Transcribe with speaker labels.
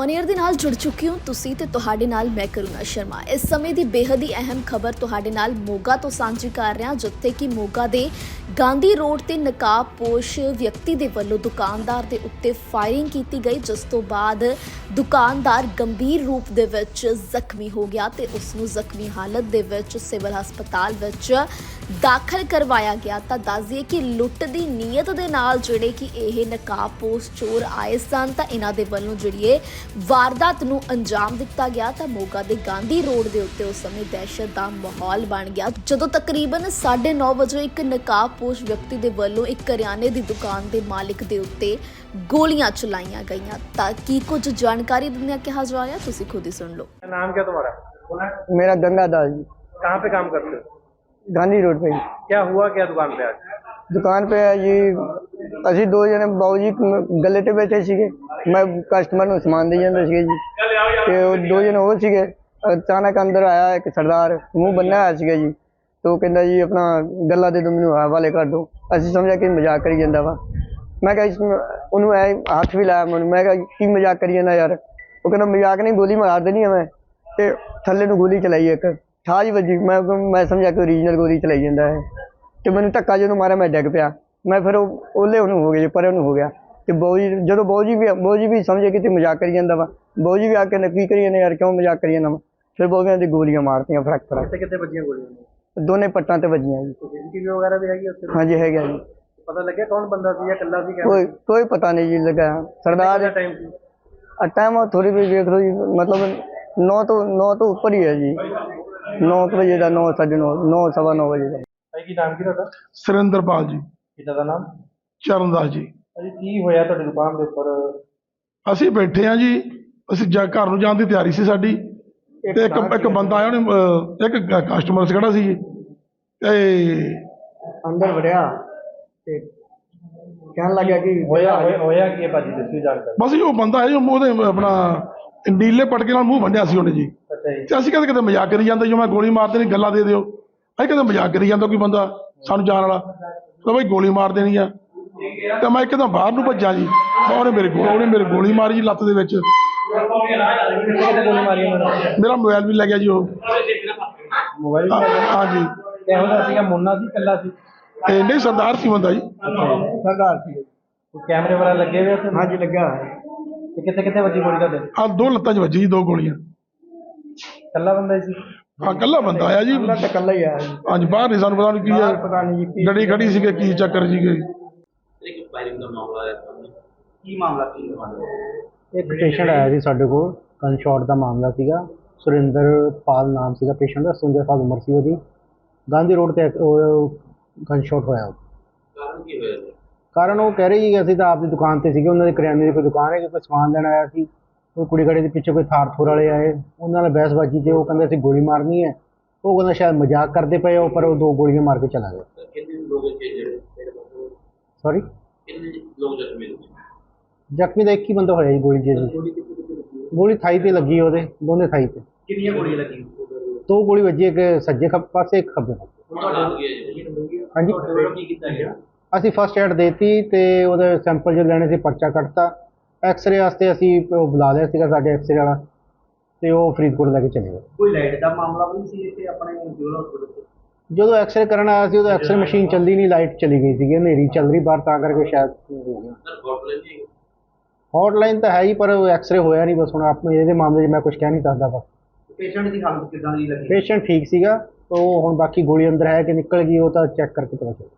Speaker 1: On air ਦੇ ਨਾਲ ਜੁੜ ਚੁੱਕੀ ਹਾਂ ਤੁਸੀਂ ਤੇ ਤੁਹਾਡੇ ਨਾਲ ਮੈਂ ਕਰੁਣਾ ਸ਼ਰਮਾ। ਇਸ ਸਮੇਂ ਦੀ ਬੇਹੱਦ ਹੀ ਅਹਿਮ ਖਬਰ ਤੁਹਾਡੇ ਨਾਲ ਮੋਗਾ ਤੋਂ ਸਾਂਝੀ ਕਰ ਰਿਹਾ, ਜਿੱਥੇ ਕਿ ਮੋਗਾ ਦੇ ਗਾਂਧੀ ਰੋਡ ਤੇ ਨਕਾਬਪੋਸ਼ ਵਿਅਕਤੀ ਦੇ ਵੱਲੋਂ ਦੁਕਾਨਦਾਰ ਦੇ ਉੱਤੇ ਫਾਇਰਿੰਗ ਕੀਤੀ ਗਈ, ਜਿਸ ਤੋਂ ਬਾਅਦ ਦੁਕਾਨਦਾਰ ਗੰਭੀਰ ਰੂਪ ਦੇ ਵਿੱਚ ਜ਼ਖਮੀ ਹੋ ਗਿਆ ਤੇ ਉਸ ਨੂੰ ਜ਼ਖਮੀ ਹਾਲਤ ਦੇ ਵਿੱਚ ਸਿਵਲ ਹਸਪਤਾਲ ਵਿੱਚ ਦਾਖਲ ਕਰਵਾਇਆ ਗਿਆ। ਤਾਂ ਦੱਸ ਦਈਏ ਕਿ ਲੁੱਟ ਦੀ ਨੀਅਤ ਦੇ ਨਾਲ ਜਿਹੜੇ ਕਿ ਇਹ ਨਕਾਬਪੋਸ਼ ਚੋਰ ਆਏ ਸਨ, ਤਾਂ ਇਹਨਾਂ ਦੇ ਵੱਲੋਂ ਜਿਹੜੀ ਇਹ ਵਾਰਦਾਤ ਨੂੰ ਅੰਜਾਮ ਦਿੱਤਾ ਗਿਆ। ਤਾਂ ਮੋਗਾ ਦੇ ਗਾਂਧੀ ਰੋਡ ਦੇ ਉੱਤੇ ਉਸ ਸਮੇਂ ਦਹਿਸ਼ਤ ਦਾ ਮਾਹੌਲ ਬਣ ਗਿਆ, ਜਦੋਂ ਤਕਰੀਬਨ 9:30 ਵਜੇ ਇੱਕ ਨਕਾਬਪੋਸ਼ ਵਿਅਕਤੀ ਦੇ ਵੱਲੋਂ ਇੱਕ ਕਰਿਆਨੇ ਦੀ ਦੁਕਾਨ ਦੇ ਮਾਲਿਕ ਦੇ ਉੱਤੇ गोलियां चलाईਆਂ गईਆਂ। ਤਾਂ ਕੀ ਕੁਝ ਜਾਣਕਾਰੀ ਦਿੰਦਿਆਂ ਕਿਹਾ ਜਾ ਰਿਹਾ, ਤੁਸੀਂ खुद ही सुन लो।
Speaker 2: नाम क्या तुम्हारा?
Speaker 3: मेरा गंगा दास जी,
Speaker 2: कहाँ पे काम करते हो?
Speaker 3: गांधी रोड पे।
Speaker 2: क्या हुआ क्या दुकान पे आज?
Speaker 3: दुकान पे है जी, ਅਸੀਂ ਦੋ ਜਣੇ ਬਾਊ ਜੀ ਗੱਲੇ ਤੇ ਬੈਠੇ ਸੀਗੇ, ਮੈਂ ਕਸਟਮਰ ਨੂੰ ਸਮਾਨ ਦੇ ਜਾਂਦਾ ਸੀਗਾ ਜੀ, ਤੇ ਉਹ ਦੋ ਜਣੇ ਹੋਰ ਸੀਗੇ। ਅਚਾਨਕ ਅੰਦਰ ਆਇਆ ਇੱਕ ਸਰਦਾਰ, ਮੂੰਹ ਬੰਨਿਆ ਹੋਇਆ ਸੀਗਾ ਜੀ, ਤੇ ਉਹ ਕਹਿੰਦਾ ਜੀ ਆਪਣਾ ਗੱਲਾਂ ਦੇ ਦੋ ਮੈਨੂੰ ਹਵਾਲੇ ਕਰ ਦਿਓ। ਅਸੀਂ ਸਮਝਿਆ ਕਿ ਮਜ਼ਾਕ ਕਰੀ ਜਾਂਦਾ ਵਾ। ਮੈਂ ਕਿਹਾ ਉਹਨੂੰ ਐ ਹੱਥ ਵੀ ਲਾਇਆ ਮੈਨੂੰ, ਮੈਂ ਕਿਹਾ ਕੀ ਮਜ਼ਾਕ ਕਰੀ ਜਾਂਦਾ ਯਾਰ। ਉਹ ਕਹਿੰਦਾ ਮਜ਼ਾਕ ਨਹੀਂ, ਗੋਲੀ ਮਾਰ ਦੇਣੀ ਆ ਮੈਂ, ਤੇ ਥੱਲੇ ਨੂੰ ਗੋਲੀ ਚਲਾਈ ਇੱਕ ਠਾਜ ਵੱਜੀ। ਮੈਂ ਸਮਝਿਆ ਕਿ ਓਰੀਜਨਲ ਗੋਲੀ ਚਲਾਈ ਜਾਂਦਾ ਹੈ, ਤੇ ਮੈਨੂੰ ਧੱਕਾ ਜਦੋਂ ਮਾਰਿਆ ਮੈਂ ਡਿੱਗ ਪਿਆ। ਮੈਂ ਫਿਰ ਉਹਲੇ ਉਹਨੂੰ ਹੋ ਗਿਆ, ਪਰ ਉਹਨੂੰ ਹੋ ਗਿਆ। ਤੇ ਬਾਊ ਜੀ ਜਦੋਂ ਬਾਊ ਜੀ ਵੀ ਸਮਝੇ ਕਿ ਤੇ ਮਜ਼ਾਕ ਕਰੀ ਜਾਂਦਾ ਵਾ। ਬਾਊ ਜੀ ਵੀ ਆ ਕੇ ਕੀ ਕਰੀ ਜਾਂਦੇ ਯਾਰ, ਕਿਉਂ ਮਜ਼ਾਕ ਕਰੀ ਜਾਂਦਾ ਵਾ। ਫਿਰ ਬਾਊ ਕਹਿੰਦੇ ਗੋਲੀਆਂ ਮਾਰਤੀਆਂ ਫਰਕ
Speaker 2: ਕਿੱਥੇ ਵੱਜੀਆਂ ਗੋਲੀਆਂ?
Speaker 3: ਦੋਨੇ ਪੱਟਾਂ ਤੇ ਵੱਜੀਆਂ ਜੀ।
Speaker 2: ਸੀਸੀਟੀਵੀ ਵਗੈਰਾ ਵੀ ਹੈਗੀ ਉੱਥੇ?
Speaker 3: ਹਾਂਜੀ ਹੈਗਾ ਜੀ।
Speaker 2: ਪਤਾ ਲੱਗਿਆ ਕੌਣ ਬੰਦਾ ਸੀ ਜਾਂ ਇਕੱਲਾ ਸੀ?
Speaker 3: ਕੋਈ ਪਤਾ ਨਹੀਂ ਜੀ ਲੱਗਾ। ਸਰਦਾਰ
Speaker 2: ਟਾਈਮ ਸੀ?
Speaker 3: ਟਾਈਮ ਥੋੜੀ ਵੀ ਵੇਖ ਲਓ ਜੀ, ਮਤਲਬ 9 ਤੋਂ ਉੱਪਰ ਹੀ ਹੈ ਜੀ। 9 ਵਜੇ ਦਾ, 9 ਸਾਢੇ 9, 9 ਸਵਾ 9 ਵਜੇ ਦਾ।
Speaker 2: ਭਾਈ ਕੀ ਨਾਮ ਕੀ ਤੁਹਾਡਾ?
Speaker 4: ਸੁਰਿੰਦਰਪਾਲ ਜੀ।
Speaker 2: ਪਿਤਾ ਦਾ ਨਾਮ?
Speaker 4: ਚਰਨਦਾਸ ਜੀ।
Speaker 2: ਭਾਜੀ ਕੀ ਹੋਇਆ ਤੁਹਾਡੀ ਦੁਕਾਨ ਦੇ ਉੱਪਰ?
Speaker 4: ਅਸੀਂ ਬੈਠੇ ਹਾਂ ਜੀ, ਅਸੀਂ ਘਰ ਨੂੰ ਜਾਣ ਦੀ ਤਿਆਰੀ ਸੀ ਸਾਡੀ, ਤੇ ਇੱਕ ਬੰਦਾ ਆਇਆ, ਉਹਨੇ ਇੱਕ ਕਸਟਮਰ ਖੜਾ ਸੀ ਜੀ, ਤੇ
Speaker 3: ਅੰਦਰ ਵੜਿਆ ਤੇ ਕਹਿਣ ਲੱਗਿਆ ਕਿ
Speaker 2: ਹੋਇਆ ਕੀ ਹੈ ਭਾਜੀ, ਦੱਸੀ ਜਾਣਕਾਰੀ।
Speaker 4: ਬਸ ਜੀ ਉਹ ਬੰਦਾ ਹੈ ਜੋ ਉਹਦੇ ਆਪਣਾ ਨੀਲੇ ਪਟਕੇ ਨਾਲ ਮੂੰਹ ਵੰਡਿਆ ਸੀ ਉਹਨੇ ਜੀ।
Speaker 2: ਅੱਛਾ ਜੀ।
Speaker 4: ਤੇ ਅਸੀਂ ਕਿਤੇ ਮਜ਼ਾਕ ਕਰੀ ਜਾਂਦੇ, ਜੋ ਮੈਂ ਗੋਲੀ ਮਾਰ ਦੇਣੀ, ਗੱਲਾਂ ਦੇ ਦਿਓ। ਅਸੀਂ ਕਿਤੇ ਮਜ਼ਾਕ ਕਰੀ ਜਾਂਦਾ ਕੋਈ ਬੰਦਾ ਸਾਨੂੰ ਜਾਣ ਵਾਲਾ, ਤਾਂ ਬਈ ਗੋਲੀ ਮਾਰ ਦੇਣੀ ਆ। ਤੇ ਮੈਂ ਇੱਕਦਮ ਬਾਹਰ ਨੂੰ ਭੱਜਾ ਜੀ, ਉਹਨੇ ਮੇਰੇ ਗੋਲੀ ਮਾਰੀ ਜੀ ਲੱਤ ਦੇ ਵਿੱਚ।
Speaker 2: ਗੋਲੀ ਮਾਰੀ ਉਹਨਾਂ?
Speaker 4: ਮੇਰਾ ਮੋਬਾਈਲ ਵੀ ਲੈ ਗਿਆ ਜੀ ਉਹ।
Speaker 2: ਮੋਬਾਈਲ?
Speaker 4: ਹਾਂਜੀ।
Speaker 2: ਇਹੋ ਜਿਹਾ ਸੀਗਾ, ਮੁੰਨਾ ਸੀ ਇਕੱਲਾ ਸੀ?
Speaker 4: ਤੇ ਨਹੀਂ ਸਰਦਾਰ ਸੀ ਬੰਦਾ ਜੀ।
Speaker 3: ਸਰਦਾਰ ਸੀ।
Speaker 2: ਕੈਮਰੇ ਵਗੈਰਾ ਲੱਗੇ ਹੋਏ ਉੱਥੇ?
Speaker 3: ਹਾਂਜੀ ਲੱਗਾ।
Speaker 2: ਤੇ ਕਿੱਥੇ ਵੱਜੀ ਗੋਲੀ ਤੁਹਾਡੇ?
Speaker 4: ਦੋ ਲੱਤਾਂ 'ਚ ਵੱਜੀ ਜੀ, 2 ਗੋਲੀਆਂ।
Speaker 2: ਇਕੱਲਾ ਬੰਦਾ ਹੀ ਸੀ?
Speaker 4: ਹਾਂ ਇਕੱਲਾ ਬੰਦਾ ਆਇਆ ਜੀ।
Speaker 3: ਇਕੱਲਾ ਹੀ ਆਇਆ ਜੀ।
Speaker 4: ਹਾਂਜੀ, ਬਾਹਰ ਨਹੀਂ ਸਾਨੂੰ ਪਤਾ ਨਹੀਂ ਕੀ ਹੈ,
Speaker 3: ਪਤਾ ਨਹੀਂ ਜੀ
Speaker 4: ਗੱਡੀ ਖੜੀ ਸੀਗੇ, ਕੀ ਚੱਕਰ ਸੀਗੇ।
Speaker 2: ਕੀ ਮਾਮਲਾ ਸੀ?
Speaker 5: ਇੱਕ ਪੇਸ਼ੈਂਟ ਆਇਆ ਸੀ ਸਾਡੇ ਕੋਲ, ਗਨ ਸ਼ਾਟ ਦਾ ਮਾਮਲਾ ਸੀਗਾ। ਸੁਰਿੰਦਰਪਾਲ ਨਾਮ ਸੀਗਾ ਪੇਸ਼ੈਂਟ ਦਾ, 57 ਸਾਲ ਉਮਰ ਸੀ ਉਹਦੀ। ਗਾਂਧੀ ਰੋਡ ਤੇ ਗਨ ਸ਼ਾਟ ਹੋਇਆ।
Speaker 2: ਕਾਰਨ ਕੀ ਹੋਇਆ?
Speaker 5: ਕਾਰਨ ਉਹ ਕਹਿ ਰਹੀ ਸੀ ਅਸੀਂ ਤਾਂ ਆਪਦੀ ਦੁਕਾਨ ਤੇ ਸੀਗੇ, ਉਹਨਾਂ ਦੇ ਕਰਿਆਨੇ ਦੀ ਕੋਈ ਦੁਕਾਨ ਹੈ, ਕੋਈ ਸਮਾਨ ਲੈਣ ਆਇਆ ਸੀ। ਉਹ ਕੁੜੀ ਘੜੇ ਦੇ ਪਿੱਛੇ ਕੋਈ ਥਾਰ ਵਾਲੇ ਆਏ, ਉਹਨਾਂ ਨਾਲ ਬਹਿਸਬਾਜ਼ੀ 'ਚ ਉਹ ਕਹਿੰਦੇ ਅਸੀਂ ਗੋਲੀ ਮਾਰਨੀ ਹੈ। ਉਹ ਕਹਿੰਦਾ ਸ਼ਾਇਦ ਮਜ਼ਾਕ ਕਰਦੇ ਪਏ ਹੋ, ਪਰ ਉਹ 2 ਗੋਲੀਆਂ ਮਾਰ ਕੇ ਚਲਾ ਗਿਆ। ਸੌਰੀ, ਜ਼ਖਮੀ ਦਾ ਇੱਕ ਹੀ ਬੰਦਾ ਹੋਇਆ ਜੀ ਗੋਲੀ ਜੀ। ਗੋਲੀ ਥਾਈ ਤੇ ਲੱਗੀ, ਉਹਦੇ ਦੋਨੇ ਥਾਈ ਤੇ।
Speaker 2: ਕਿੰਨੀਆਂ ਗੋਲੀਆਂ ਲੱਗੀਆਂ?
Speaker 5: 2 ਗੋਲੀ ਵੱਜੀ, ਇੱਕ ਸੱਜੇ ਪਾਸੇ ਇੱਕ ਖੱਬੇ ਪਾਸੇ। ਹਾਂਜੀ, ਅਸੀਂ ਫਸਟ ਐਡ ਦੇਤੀ ਤੇ ਉਹਦੇ ਸੈਂਪਲ ਜੋ ਲੈਣੇ ਸੀ ਪਰਚਾ ਕੱਟਤਾ। ਐਕਸਰੇ ਵਾਸਤੇ ਅਸੀਂ ਉਹ ਬੁਲਾ ਲਿਆ ਸੀਗਾ ਸਾਡੇ ਐਕਸਰੇ ਵਾਲਾ, ਤੇ ਉਹ ਫਰੀਦਕੋਟ ਲੈ ਕੇ ਚਲੇ ਗਏ।
Speaker 2: ਕੋਈ ਲਾਈਟ ਦਾ ਮਾਮਲਾ ਵੀ ਸੀ ਇੱਥੇ ਆਪਣੇ ਸਿਵਲ ਹਸਪੀਟਲ?
Speaker 5: ਜਦੋਂ ਐਕਸਰੇ ਕਰਨ ਆਇਆ ਸੀ, ਉਦੋਂ ਐਕਸਰੇ ਮਸ਼ੀਨ ਚੱਲਦੀ ਨਹੀਂ, ਲਾਈਟ ਚਲੀ ਗਈ ਸੀਗੀ, ਹਨੇਰੀ ਚੱਲ ਰਹੀ ਬਾਹਰ, ਤਾਂ ਕਰਕੇ ਸ਼ਾਇਦ ਹੋ ਗਿਆ। ਹੌਟਲਾਈਨ ਤਾਂ ਹੈ ਹੀ, ਪਰ ਐਕਸਰੇ ਹੋਇਆ ਨਹੀਂ। ਬਸ ਹੁਣ ਆਪਣੇ ਇਹਦੇ ਮਾਮਲੇ 'ਚ ਮੈਂ ਕੁਝ ਕਹਿ ਨਹੀਂ ਸਕਦਾ। ਬਸ
Speaker 2: ਪੇਸ਼ੈਂਟ ਦੀ ਹਾਲਤ ਕਿੱਦਾਂ ਦੀ ਲੱਗੀ?
Speaker 5: ਪੇਸ਼ੈਂਟ ਠੀਕ ਸੀਗਾ, ਉਹ ਹੁਣ ਬਾਕੀ ਗੋਲੀ ਅੰਦਰ ਹੈ ਕਿ ਨਿਕਲ ਗਈ, ਉਹ ਤਾਂ ਚੈੱਕ ਕਰਕੇ ਪਤਾ ਚੱਲੇਗਾ।